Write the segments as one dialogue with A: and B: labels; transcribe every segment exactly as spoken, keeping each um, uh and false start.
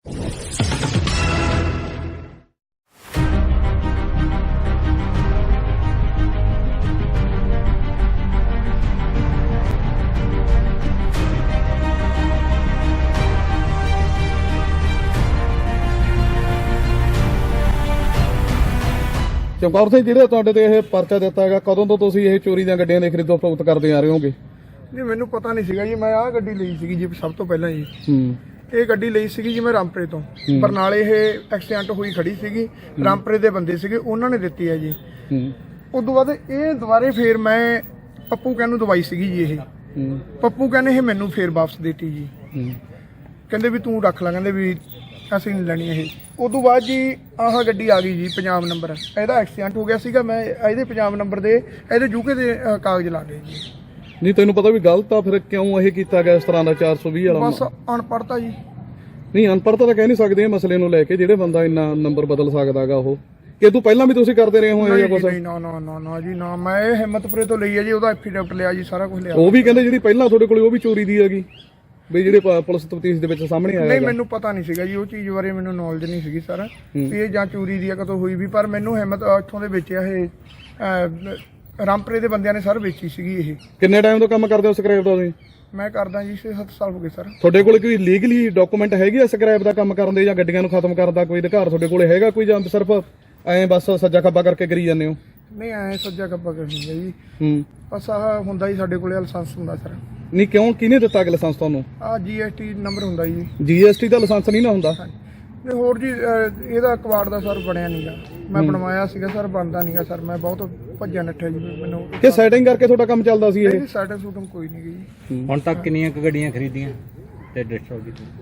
A: ਚਮਕੌਰ ਸਿੰਘ ਜਿਹੜੇ ਤੁਹਾਡੇ ਤੇ ਇਹ ਪਰਚਾ ਦਿੱਤਾ ਹੈਗਾ, ਕਦੋਂ ਤੋਂ ਤੁਸੀਂ ਇਹ ਚੋਰੀ ਦੀਆਂ ਗੱਡੀਆਂ ਦੇ ਖਰੀਦੋ ਫਰੋਖਤ ਕਰਦੇ ਆ ਰਹੇ ਹੋਗੇ?
B: ਨਹੀਂ, ਮੈਨੂੰ ਪਤਾ ਨਹੀਂ ਸੀਗਾ ਜੀ। ਮੈਂ ਆਹ ਗੱਡੀ ਲਈ ਸੀਗੀ ਜੀ ਸਭ ਤੋਂ ਪਹਿਲਾਂ ਜੀ।
A: ਹੂੰ
B: ਇਹ ਗੱਡੀ ਲਈ ਸੀਗੀ ਜੀ ਮੈਂ ਰਾਮਪੁਰੇ ਤੋਂ। ਬਰਨਾਲੇ ਇਹ ਐਕਸੀਡੈਂਟ ਹੋਈ ਖੜੀ ਸੀਗੀ, ਰਾਮਪੁਰੇ ਦੇ ਬੰਦੇ ਸੀਗੇ, ਉਹਨਾਂ ਨੇ ਦਿੱਤੀ ਹੈ ਜੀ।
A: ਹੂੰ
B: ਉਸ ਤੋਂ ਬਾਅਦ ਇਹ ਦੁਬਾਰੇ ਫੇਰ ਮੈਂ ਪੱਪੂ ਕਹਿਣ ਨੂੰ ਦਵਾਈ ਸੀਗੀ ਜੀ। ਇਹ
A: ਹੂੰ
B: ਪੱਪੂ ਕਹਿੰਦੇ ਇਹ ਮੈਨੂੰ ਫੇਰ ਵਾਪਸ ਦੇਤੀ ਜੀ।
A: ਹੂੰ
B: ਕਹਿੰਦੇ ਵੀ ਤੂੰ ਰੱਖ ਲੈ, ਕਹਿੰਦੇ ਵੀ ਅਸੀਂ ਨਹੀਂ ਲੈਣੀ ਇਹ। ਉਸ ਤੋਂ ਬਾਅਦ ਜੀ ਆਹ ਗੱਡੀ ਆ ਗਈ ਜੀ ਪੰਜਾਬ ਨੰਬਰ। ਇਹਦਾ ਐਕਸੀਡੈਂਟ ਹੋ ਗਿਆ ਸੀਗਾ, ਮੈਂ ਇਹਦੇ ਪੰਜਾਬ ਨੰਬਰ ਦੇ ਇਹਦੇ ਯੂਕੇ ਦੇ ਅ, ਕਾਗਜ਼ ਲਾ ਲਏ ਜੀ।
A: ਨਹੀਂ ਤੈਨੂੰ ਪਤਾ ਵੀ ਗਲਤ ਆ, ਫਿਰ ਕਿਉਂ ਇਹ ਕੀਤਾ ਗਿਆ ਇਸ ਤਰ੍ਹਾਂ ਦਾ ਚਾਰ ਸੌ ਵੀਹ ਵਾਲਾ?
B: ਬਸ ਅਨਪੜ੍ਹਤਾ ਜੀ।
A: ਨਹੀਂ ਅਨਪੜ੍ਹਤਾ ਤਾਂ ਕਹਿ ਨਹੀਂ ਸਕਦੇ ਇਹ ਮਸਲੇ ਨੂੰ ਲੈ ਕੇ, ਜਿਹੜੇ ਬੰਦਾ ਇੰਨਾ ਨੰਬਰ ਬਦਲ ਸਕਦਾਗਾ ਉਹ। ਕਿ ਤੂੰ ਪਹਿਲਾਂ ਵੀ ਤੁਸੀਂ ਕਰਦੇ ਰਹੇ ਹੋ ਇਹ ਜਿਹਾ ਕੁਝ?
B: ਨਹੀਂ ਨਾ ਨਾ ਨਾ ਨਾ ਜੀ ਨਾ, ਮੈਂ ਇਹ ਹਿੰਮਤਪੁਰੇ ਤੋਂ ਲਈ ਹੈ ਜੀ। ਉਹਦਾ ਐਫੀਡੈਵਿਟ ਲਿਆ ਜੀ, ਸਾਰਾ ਕੁਝ ਲਿਆ।
A: ਉਹ ਵੀ ਕਹਿੰਦੇ ਜਿਹੜੀ ਪਹਿਲਾਂ ਤੁਹਾਡੇ ਕੋਲ ਉਹ ਵੀ ਚੋਰੀ ਦੀ ਹੈਗੀ, ਵੀ ਜਿਹੜੇ ਪ- ਪੁਲਿਸ ਤਫਤੀਸ਼ ਦੇ ਵਿੱਚ ਸਾਹਮਣੇ ਆਇਆ?
B: ਨਹੀਂ, ਮੈਨੂੰ ਪਤਾ ਨਹੀਂ ਸੀਗਾ ਜੀ ਉਹ ਚੀਜ਼ ਬਾਰੇ, ਮੈਨੂੰ ਨੌਲੇਜ ਨਹੀਂ ਸੀਗੀ ਸਰ ਵੀ ਇਹ ਜਾਂ ਚੋਰੀ ਦੀ ਆ ਕਦੋਂ ਹੋਈ ਵੀ। ਪਰ ਮੈਨੂੰ ਹਿੰਮਤ ਇੱਥੋਂ ਦੇ ਵੇਚਿਆ ਇਹ ਅਹ, ਰਾਮਪੁਰੇ ਦੇ ਬੰਦਿਆਂ ਨੇ ਸਰ ਵੇਚੀ ਸੀਗੀ ਇਹ।
A: ਕਿੰਨੇ ਟਾਈਮ ਤੋਂ ਕੰਮ ਕਰਦੇ ਹੋ ਸਕ੍ਰੈਪ ਦਾ ਤੁਸੀਂ?
B: ਮੈਂ ਕਰਦਾ ਜੀ ਛੇ ਸੱਤ ਸਾਲ ਹੋ ਗਏ ਸਰ।
A: ਤੁਹਾਡੇ ਕੋਲ ਕੋਈ ਲੀਗਲੀ ਡਾਕੂਮੈਂਟ ਹੈਗੀ ਆ ਸਕ੍ਰੈਪ ਦਾ ਕੰਮ ਕਰਨ ਦੇ, ਜਾਂ ਗੱਡੀਆਂ ਨੂੰ ਖਤਮ ਕਰਨ ਦਾ ਕੋਈ ਅਧਿਕਾਰ ਤੁਹਾਡੇ ਕੋਲ ਹੈਗਾ ਕੋਈ, ਜਾਂ ਸਿਰਫ ਐਂ ਬਸ ਸੱਜਾ ਖੱਬਾ ਕਰਕੇ ਕਰੀ ਜਾਂਦੇ ਹੋ?
B: ਨਹੀਂ, ਐ ਸੱਜਾ ਕੱਪਾ ਕਰਨੀ ਹੈ ਜੀ।
A: ਹੂੰ
B: ਬਸ ਆਹ ਹੁੰਦਾ ਜੀ ਸਾਡੇ ਕੋਲੇ ਲਾਇਸੈਂਸ ਹੁੰਦਾ ਸਰ।
A: ਨਹੀਂ ਕਿਉਂ, ਕਿਹਨੇ ਦਿੱਤਾ ਕਿ ਲਾਇਸੈਂਸ ਤੁਹਾਨੂੰ?
B: ਆਹ ਜੀ ਐਸ ਟੀ ਨੰਬਰ ਹੁੰਦਾ ਜੀ।
A: ਜੀ ਐਸ ਟੀ ਦਾ ਲਾਇਸੈਂਸ ਨਹੀਂ ਨਾ ਹੁੰਦਾ?
B: ਤੇ ਹੋਰ ਜੀ ਅਹ, ਇਹਦਾ ਕਵਾੜ ਦਾ ਸਰ ਬਣਿਆ ਨਹੀਂਗਾ। ਮੈਂ ਬਣਵਾਇਆ ਸੀਗਾ ਸਰ, ਬਣਦਾ ਨਹੀਂਗਾ ਸਰ। ਮੈਂ ਬਹੁਤ ਭੱਜਿਆ ਨੱਠਿਆ ਜੀ। ਮੈਨੂੰ
A: ਕਿ ਸੈਟਿੰਗ ਕਰਕੇ ਤੁਹਾਡਾ ਕੰਮ ਚੱਲਦਾ ਸੀ ਇਹ?
B: ਇਹਦੀ ਸੈਟਿੰਗ ਸੂਟਿੰਗ ਕੋਈ ਨਹੀਂ ਗਈ।
C: ਹੁਣ ਤੱਕ ਕਿੰਨੀਆਂ ਕੁ ਗੱਡੀਆਂ ਖਰੀਦੀਆਂ ਤੇ ਡਿਸਟ੍ਰੋਏ ਕੀਤੀਆਂ?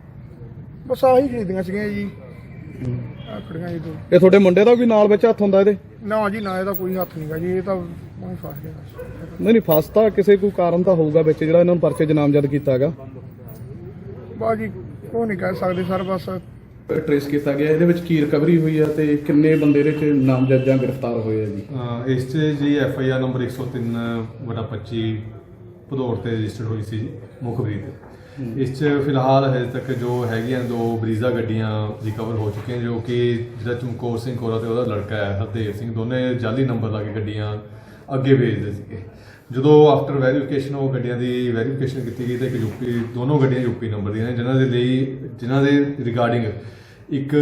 B: ਬਸ ਆਹੀ ਖਰੀਦੀਆਂ ਸੀਗੀਆਂ ਜੀ। ਆਹ ਖੜੀਆਂ ਜੀ ਦੋ।
A: ਇਹ ਤੁਹਾਡੇ ਮੁੰਡੇ ਦਾ ਵੀ ਨਾਲ ਵਿੱਚ ਹੱਥ ਹੁੰਦਾ ਇਹਦੇ?
B: ਨਾ ਜੀ ਨਾ, ਇਹਦਾ ਕੋਈ ਹੱਥ ਨਹੀਂਗਾ ਜੀ। ਇਹ ਤਾਂ ਮੈਂ ਫਸ ਗਿਆ ਬਸ।
A: ਨਹੀਂ ਨਹੀਂ ਫਸ ਤਾਂ ਕਿਸੇ ਕੋਈ ਕਾਰਨ ਤਾਂ ਹੋਊਗਾ ਵਿੱਚ ਜਿਹੜਾ ਇਹਨਾਂ ਨੂੰ ਪਰਚੇ 'ਚ ਨਾਮਜ਼ਦ ਕੀਤਾ ਹੈਗਾ।
B: ਬਸ ਜੀ ਉਹ ਨਹੀਂ ਕਹਿ ਸਕਦੇ ਸਰ। ਬਸ
A: ਟ੍ਰੇਸ ਕੀਤਾ ਗਿਆ, ਇਹਦੇ ਵਿੱਚ ਕੀ ਰਿਕਵਰੀ ਹੋਈ ਆ ਤੇ ਕਿੰਨੇ ਬੰਦੇ ਇਹਦੇ 'ਚ ਨਾਮਜ਼ਦ ਜਾਂ ਗ੍ਰਿਫਤਾਰ ਹੋਏ ਆ ਜੀ?
D: ਅਹ ਇਸ 'ਚ ਜੀ ਐਫ ਆਈ ਆਰ ਨੰਬਰ ਇੱਕ ਸੌ ਤਿੰਨ ਵਟਾ ਪੱਚੀ ਭਦੌੜ ਤੇ ਰਜਿਸਟਰਡ ਹੋਈ ਸੀ ਜੀ ਮੁਖਬਰੀ ਤੇ। ਇਸ 'ਚ ਫਿਲਹਾਲ ਹਜੇ ਤੱਕ ਜੋ ਹੈਗੀਆਂ ਦੋ ਬਰੀਜ਼ਾ ਗੱਡੀਆਂ ਰਿਕਵਰ ਹੋ ਚੁੱਕੀਆਂ, ਜੋ ਕਿ ਜਿਹੜਾ ਚਮਕੌਰ ਸਿੰਘ ਕੋਰਾ ਤੇ ਉਹਦਾ ਲੜਕਾ ਹੈ ਹਰਦੇਵ ਸਿੰਘ, ਦੋਨੇ ਜਾਲੀ ਨੰਬਰ ਲਾ ਕੇ ਗੱਡੀਆਂ ਅੱਗੇ ਭੇਜਦੇ ਸੀਗੇ। ਜਦੋਂ ਆਫਟਰ ਵੈਰੀਫਿਕੇਸ਼ਨ ਉਹ ਗੱਡੀਆਂ ਦੀ ਵੈਰੀਫਿਕੇਸ਼ਨ ਕੀਤੀ ਗਈ ਤਾਂ ਇੱਕ ਯੂਪੀ, ਦੋਨੋਂ ਗੱਡੀਆਂ ਯੂਪੀ ਨੰਬਰ ਦੀਆਂ ਨੇ, ਜਿਨ੍ਹਾਂ ਦੇ ਲਈ ਜਿਨ੍ਹਾਂ ਦੇ ਰਿਗਾਰਡਿੰਗ ਇੱਕ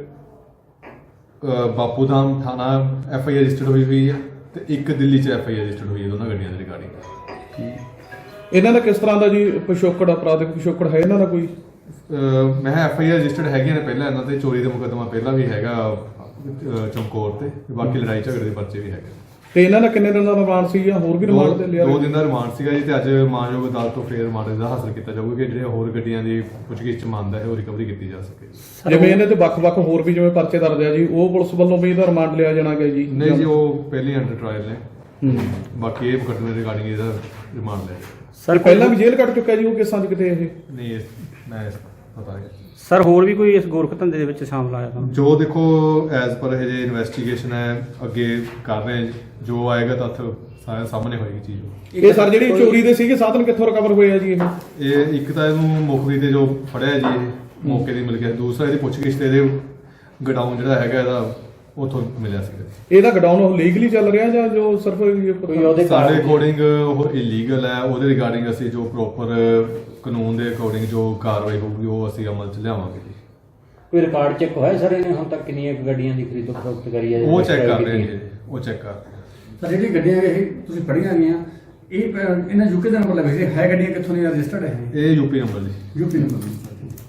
D: ਬਾਪੂ ਧਾਮ ਥਾਣਾ ਐਫ ਆਈ ਆਰ ਰਜਿਸਟਰਡ ਹੋਈ ਹੋਈ ਹੈ ਤੇ ਇੱਕ ਦਿੱਲੀ 'ਚ ਐਫ ਆਈ ਆਰ ਰਜਿਸਟਰਡ ਹੋਈ ਹੈ ਦੋਨਾਂ ਗੱਡੀਆਂ ਦੇ ਰਿਗਾਰਡਿੰਗ।
A: ਇਹਨਾਂ ਦਾ ਕਿਸ ਤਰ੍ਹਾਂ ਦਾ ਜੀ ਪਿਛੋਕੜ, ਅਪਰਾਧਿਕ ਪਿਛੋਕੜ ਹੈ ਇਹਨਾਂ ਦਾ ਕੋਈ?
D: ਅਹ ਮੈਂ ਐਫ ਆਈ ਆਰ ਰਜਿਸਟਰਡ ਹੈਗੀਆਂ ਨੇ ਪਹਿਲਾਂ ਇਹਨਾਂ ਤੇ, ਚੋਰੀ ਦਾ ਮੁਕੱਦਮਾ ਪਹਿਲਾਂ ਵੀ ਹੈਗਾ ਅਹ ਚਮਕੌਰ ਤੇ, ਬਾਕੀ ਲੜਾਈ ਝਗੜੇ ਦੇ ਪਰਚੇ ਵੀ ਹੈਗੇ।
A: ਤੇ ਇਹਨਾਂ ਦਾ ਕਿੰਨੇ ਦਿਨ ਦਾ ਰਿਮਾਂਡ ਸੀ ਜਾਂ ਹੋਰ ਵੀ ਰਿਮਾਂਡ ਤੇ ਲਿਆ?
D: ਦੋ ਦਿਨ ਦਾ ਰਿਮਾਂਡ ਸੀਗਾ ਜੀ, ਤੇ ਅੱਜ ਮਾਨਯੋਗ ਅਦਾਲਤ ਤੋਂ ਫੇਰ ਰਿਮਾਂਡ ਦਾ ਹਾਸਲ ਕੀਤਾ ਜਾਊਗਾ ਕਿ ਜਿਹੜੇ ਹੋਰ ਗੱਡੀਆਂ ਦੀ ਪੁੱਛਗਿੱਛ ਚ ਮੰਨਦਾ ਹੈ ਉਹ ਰਿਕਵਰੀ ਕੀਤੀ ਜਾ ਸਕੇ।
A: ਜਿਵੇਂ ਇਹਨਾਂ ਤੇ ਵੱਖ-ਵੱਖ ਹੋਰ ਵੀ ਜਿਵੇਂ ਪਰਚੇ ਦਰਜ ਆ ਜੀ, ਉਹ ਪੁਲਿਸ ਵੱਲੋਂ ਵੀ ਇਹਦਾ ਰਿਮਾਂਡ ਲਿਆ ਜਾਣਾ ਗਿਆ ਜੀ?
D: ਨਹੀਂ ਜੀ, ਉਹ ਪਹਿਲੀ ਅੰਡਰ ਟ੍ਰਾਇਲ ਨੇ। ਬਾਕੀ ਇਹ ਮੁਕੱਦਮੇ ਰਿਗਾਰਡਿੰਗ ਇਹਦਾ ਰਿਮਾਂਡ ਲੈ
C: ਸਰ
A: ਪਹਿਲਾਂ ਵੀ ਜੇਲ੍ਹ ਕੱਟ ਚੁੱਕਾ ਜੀ ਉਹ ਕੇਸਾਂ 'ਚ ਕਿਤੇ? ਇਹ
D: ਨਹੀਂ, ਮੈਂ ਪਤਾ ਨਹੀਂ
C: ਸਰ ਹੋਰ ਵੀ ਕੋਈ ਇਸ ਗੋਰਖ ਧੰਦੇ ਦੇ ਵਿੱਚ ਸ਼ਾਮਲ ਆਇਆ ਤਾਂ?
D: ਜੋ ਦੇਖੋ ਐਜ਼ ਪਰ ਹਜੇ ਇਨਵੈਸਟੀਗੇਸ਼ਨ ਹੈ, ਅੱਗੇ ਕਰ ਰਹੇ ਹਾਂ, ਜੋ ਆਏਗਾ ਤੱਥ ਸਾਰੇ ਸਾਹਮਣੇ ਹੋਏਗੀ ਚੀਜ਼।
A: ਇਹ ਸਰ ਜਿਹੜੀ ਚੋਰੀ ਦੇ ਸੀਗੇ ਸਾਧਨ ਕਿੱਥੋਂ ਰਿਕਵਰ ਹੋਏ ਆ ਜੀ ਇਹ?
D: ਇਹ ਇੱਕ ਤਾਂ ਇਹਨੂੰ ਮੁਖਬਰੀ ਤੇ ਜੋ ਫੜਿਆ ਜੀ ਇਹ ਮੌਕੇ ਦੀ ਮਿਲ ਗਿਆ, ਦੂਸਰਾ ਇਹਦੀ ਪੁੱਛਗਿੱਛ ਤੇ ਇਹਦੇ ਗਡਾਊਨ ਜਿਹੜਾ ਹੈਗਾ ਇਹਦਾ ਉੱਥੋਂ ਮਿਲਿਆ ਸੀ।
A: ਇਹਦਾ ਗਡਾਊਨ ਉਹ ਲੀਗਲੀ ਚੱਲ ਰਿਹਾ ਜਾਂ ਜੋ ਸਿਰਫ
D: ਸਾਡੇ ਅਕੋਰਡਿੰਗ ਉਹ ਇਲੀਗਲ ਹੈ? ਉਹਦੇ ਰਿਗਾਰਡਿੰਗ ਅਸੀਂ ਜੋ ਪ੍ਰੋਪਰ ਕਾਨੂੰਨ ਦੇ ਅਕੋਰਡਿੰਗ ਜੋ ਕਾਰਵਾਈ ਹੋਊਗੀ ਉਹ ਅਸੀਂ ਅਮਲ 'ਚ ਲਿਆਵਾਂਗੇ ਜੀ।
C: ਕੋਈ ਰਿਕਾਰਡ ਚੈੱਕ ਹੋਇਆ ਸਰ ਇਹਨੇ ਹੁਣ ਤੱਕ ਕਿੰਨੀਆਂ ਗੱਡੀਆਂ ਦੀ ਖਰੀਦੋ ਫਰੋਖਤ ਕਰੀ ਹੈ?
D: ਉਹ ਚੈੱਕ ਕਰ ਰਹੇ ਨੇ, ਉਹ ਚੈੱਕ ਕਰ ਰਹੇ ਨੇ।
E: ਸਰ ਜਿਹੜੀ ਗੱਡੀਆਂ ਇਹ ਤੁਸੀਂ ਫੜੀਆਂ ਗਈਆਂ ਇਹ ਅਹ, ਇਹਨਾਂ ਯੂਕੇ ਦਾ ਨੰਬਰ ਲੱਗੇ ਸੀ, ਹੈ ਗੱਡੀਆਂ ਕਿੱਥੋਂ ਦੀਆਂ ਰਜਿਸਟਰਡ ਹੈ?
D: ਇਹ ਯੂਪੀ ਨੰਬਰ ਜੀ।
E: UP number.